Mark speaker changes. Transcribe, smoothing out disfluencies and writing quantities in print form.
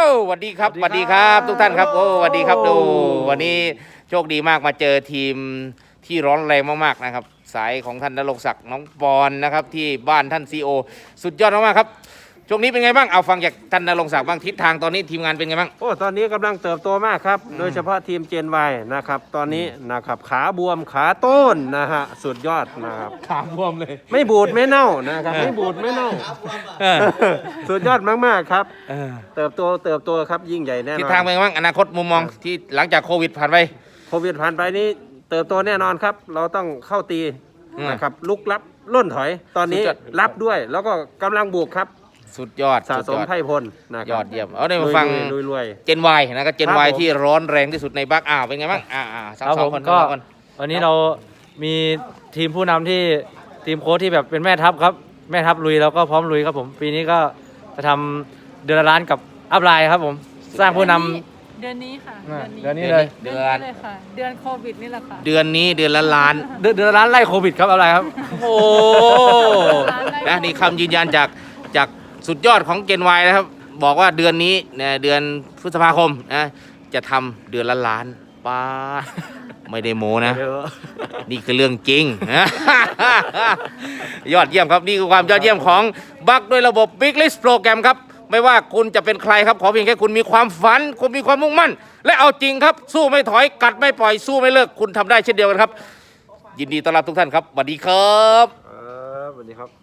Speaker 1: สวัสดีครับสวัสดีครับทุกท่านครับโอ้สวัสดีครับดูวันนี้โชคดีมากมาเจอทีมที่ร้อนแรงมากๆนะครับสายของท่านณรงค์ศักดิ์น้องปอนนะครับที่บ้านท่านซีโอสุดยอดมากๆครับช่วงนี้เป็นไงบ้างเอาฟังจากท่านณรงค์ศักดิ์บ้างทิศทางตอนนี้ทีมงานเป็นไงบ้าง
Speaker 2: โอ้ตอนนี้กำลังเติบโตมากครับโดยเฉพาะทีมเจนวนะครับตอนนี้นะครับขาบวมขาต้นนะฮะสุดยอดนะครับ
Speaker 1: ขาบวมเลย
Speaker 2: ไม่บูดไม่เน่านะครับไม่บูดไม่เน่าสุดยอดมากๆครับเติบโตครับยิ่งใหญ่แน่นอน
Speaker 1: ทิศทางเป็นไงบ้างอนาคตมุมมองที่หลังจากโควิดผ่านไป
Speaker 2: โควิดผ่านไปนี้เติบโตแน่นอนครับเราต้องเข้าตีนะครับลุกรับล่นถอยตอนนี้รับด้วยแล้วก็กำลังบุกครับ
Speaker 1: สุดยอด
Speaker 2: สะสมไพ่พลนะ
Speaker 1: ยอดเยี่ยมเอาได้มาฟัง
Speaker 2: รวย
Speaker 1: เจนวายนะครับเจนวายที่ร้อนแรงที่สุดในบักเป็นไงบ้าง
Speaker 3: ครับผมก็วันนี้เรามีทีมผู้นำที่ทีมโค้ชที่แบบเป็นแม่ทัพครับแม่ทัพลุยแล้วก็พร้อมลุยครับผมปีนี้ก็จะทำเดือนละล้านกับอัพไลน์ครับผมสร้างผู้นำ
Speaker 4: เดือนนี้ค่ะ
Speaker 3: เดือนนี้เลย
Speaker 4: เดือนเลยค่ะเดือนโควิดนี่แหละค่ะ
Speaker 1: เดือนนี้เดือนละล้าน
Speaker 3: เดือนละล้านไล่โควิดครับอัพไลน์ครับ
Speaker 1: โอ้นะนี่คำยืนยันจากสุดยอดของเจนวายนะครับบอกว่าเดือนนี้เนี่ยเดือนพฤษภาคมนะจะทำเดือนละล้านป้าไม่ได้โมนะนี่คือเรื่องจริงยอดเยี่ยมครับนี่คือความยอดเยี่ยมของบักด้วยระบบ Big List โปรแกรมครับไม่ว่าคุณจะเป็นใครครับขอเพียงแค่คุณมีความฝันคุณมีความมุ่งมั่นและเอาจริงครับสู้ไม่ถอยกัดไม่ปล่อยสู้ไม่เลิกคุณทำได้เช่นเดียวกันครับยินดีต้อนรับทุกท่านครับสวัสดีครับ
Speaker 2: สวัสดีครับ